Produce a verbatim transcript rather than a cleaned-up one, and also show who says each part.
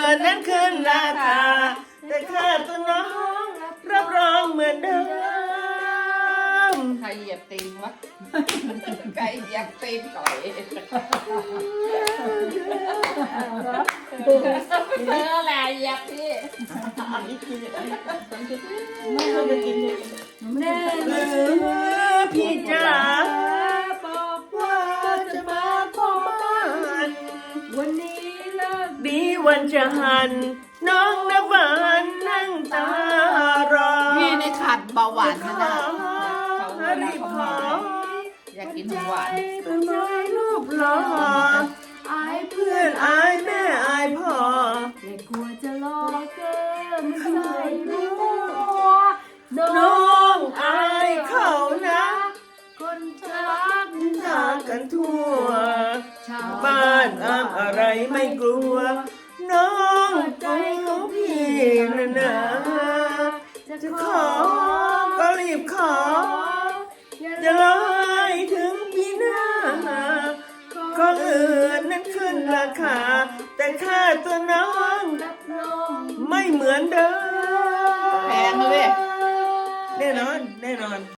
Speaker 1: นนั้นขึ้นราคาแต่ค่าตัวน้องรับรองเหมือนเดิม
Speaker 2: ใครเหยียบตีนวะใครเหยียบตีนก่อยเธอแหละเหยียบพี่
Speaker 1: ไม่เอาไปกินเลยแน่เลยพี่จ๋าบอกว่าจะมาขอมัน
Speaker 3: วันนี้เลิก
Speaker 1: ดีวันจะหัน น้องนวันนั่งตารอ
Speaker 2: พี่ในขัดเบาหวาน
Speaker 1: ข
Speaker 2: นะ
Speaker 1: อ
Speaker 2: นะ
Speaker 1: รีบขอ
Speaker 2: อยากกินของหวาน
Speaker 1: เป็นน้อยรูปหล่อ
Speaker 3: อาย
Speaker 1: เพื่อนอายแม่อายพ่อ
Speaker 3: แต่กลัวจะรอเกินใส่บัว
Speaker 1: น้องอายเขานะ
Speaker 3: คนจะรัก
Speaker 1: จากกันทั่ว
Speaker 3: ชาว
Speaker 1: บ้านอามอะไรไม่กลัว น้องใจของพี่นะนะจะขอก็รีบขอ อย่าลอยถึงปีหน้าก็อื่นนั้นขึ้นราคา แต่ค่าตัวน้อง
Speaker 3: รับรอง
Speaker 1: ไม่เหมือนเดิม
Speaker 2: แพงเลย
Speaker 1: แน่นอน แน่นอน